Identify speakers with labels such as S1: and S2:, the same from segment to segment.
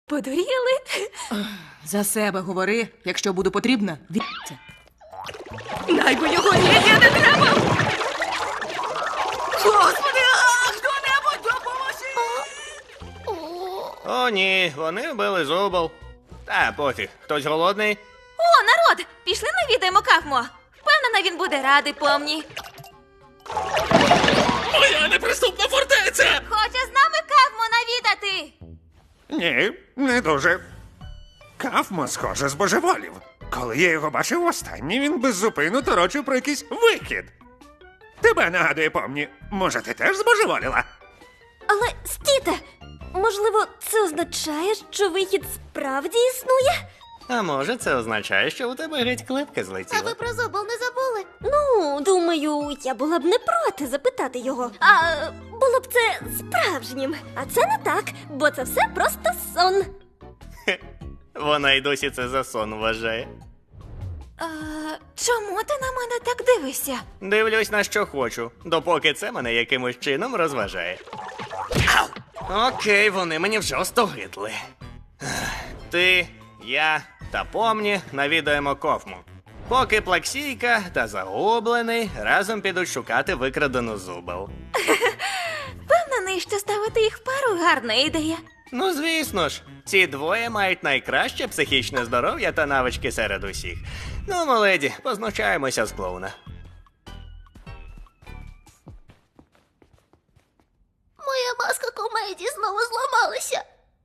S1: Подуріли?
S2: За себе говори, якщо буду потрібна, відся.
S1: Найбо його не треба! Господи, хто-небудь допоможіть!
S3: О, ні, вони вбили зубол. Та пофіг, хтось голодний?
S1: О, народ! Пішли навідаємо Кафмо. Впевнена, він буде радий помні.
S4: Моя неприступна фортеця!
S1: Хоче з нами Кафмо навідати!
S5: Ні, не дуже. Кафмо, схоже, збожеволів. Коли я його бачив востаннє, він беззупинно торочив про якийсь вихід. Тебе нагадує, помні, може, ти теж збожеволіла?
S6: Але стійте! Можливо, це означає, що вихід справді існує?
S3: А може, це означає, що у тебе геть клепка злетіла?
S6: про зубол не забули? Ну, думаю, я була б не проти запитати його. А було б це справжнім. А це не так, бо це все просто сон.
S3: Вона й досі це за сон вважає.
S1: Чому ти на мене так дивишся?
S3: Дивлюсь на що хочу, допоки це мене якимось чином розважає. Ау! Окей, вони мені вже остогидли. Ти, я та помні навідаємо Кофму. Поки Плаксійка та Загублений разом підуть шукати викрадену зубол.
S1: Впевнений, що ставити їх в пару гарна ідея.
S3: Ну, звісно ж, ці двоє мають найкраще психічне здоров'я та навички серед усіх. Ну, моледі, познущаємося з клоуна.
S6: Моя маска комедії знову зламалася.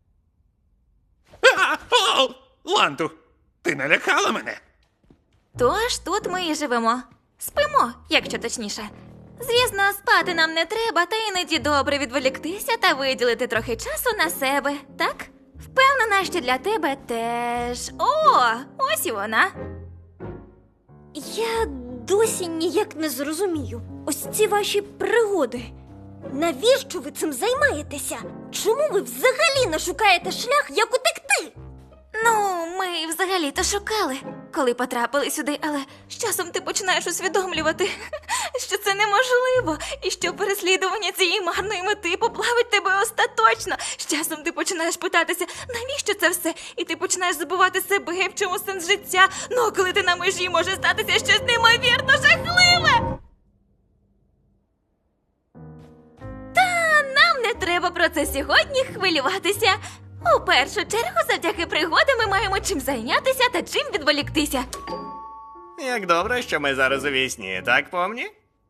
S5: О! Ланту, ти налякала мене?
S1: Тож тут ми і живемо. Спимо, якщо точніше. Звісно, спати нам не треба, та іноді добре відволіктися та виділити трохи часу на себе, так? Впевнена, що для тебе теж. О, ось і вона.
S6: Я досі ніяк не зрозумію. Ось ці ваші пригоди. Навіщо ви цим займаєтеся? Чому ви взагалі не шукаєте шлях, як утекти?
S1: Ну, ми взагалі-то шукали, коли потрапили сюди, але з часом ти починаєш усвідомлювати, що це неможливо, і що переслідування цієї марної мети поплавить тебе остаточно. З часом ти починаєш питатися, навіщо це все, і ти починаєш забувати себе, в чому сенс життя. Ну, а коли ти на межі, може статися щось неймовірно жахливе. Та нам не треба про це сьогодні хвилюватися. У першу чергу, завдяки пригодам ми маємо чим зайнятися та чим відволіктися.
S3: Як добре, що ми зараз у вісні, так, помні?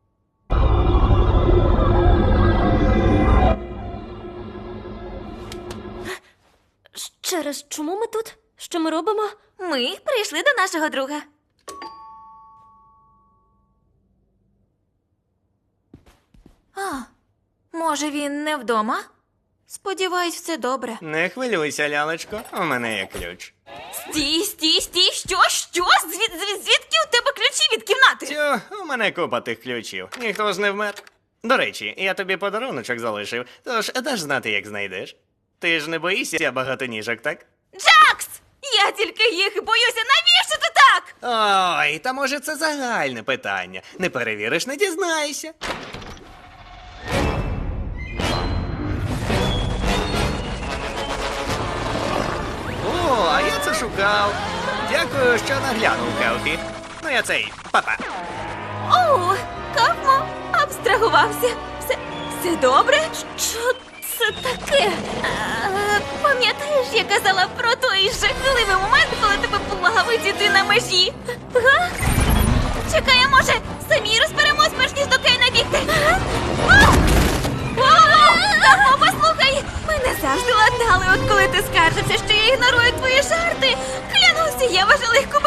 S6: Ще раз, чому ми тут? Що ми робимо?
S1: Ми прийшли до нашого друга. А, може він не вдома? Сподіваюсь, все добре.
S3: Не хвилюйся, лялечко, у мене є ключ.
S1: Стій, що? Звідки у тебе ключі від кімнати?
S3: Тю, у мене купа тих ключів, ніхто ж не вмер. До речі, я тобі подаруночок залишив, тож даш знати, як знайдеш. Ти ж не боїшся багатоніжок, так?
S1: Джакс! Я тільки їх і боюся, навіщо ти так?
S3: Ой, та може це загальне питання. Не перевіриш, не дізнаєшся. О, а я це шукав. Дякую, що наглянув, Келфі. Ну я цей, папа.
S1: О, Кафмо абстрагувався. Все добре?
S6: Що це таке?
S1: Пам'ятаєш, я казала про той жахливий момент, коли тебе плавить і ти на межі? Га? Чекай, а може, самі розберемось, перш ніж до Кейна бігти? Кафмо, послухай! Мене завжди ладнали, от коли ти скаржився, що я ігнорую твої жарти. Клянуся, я важу легко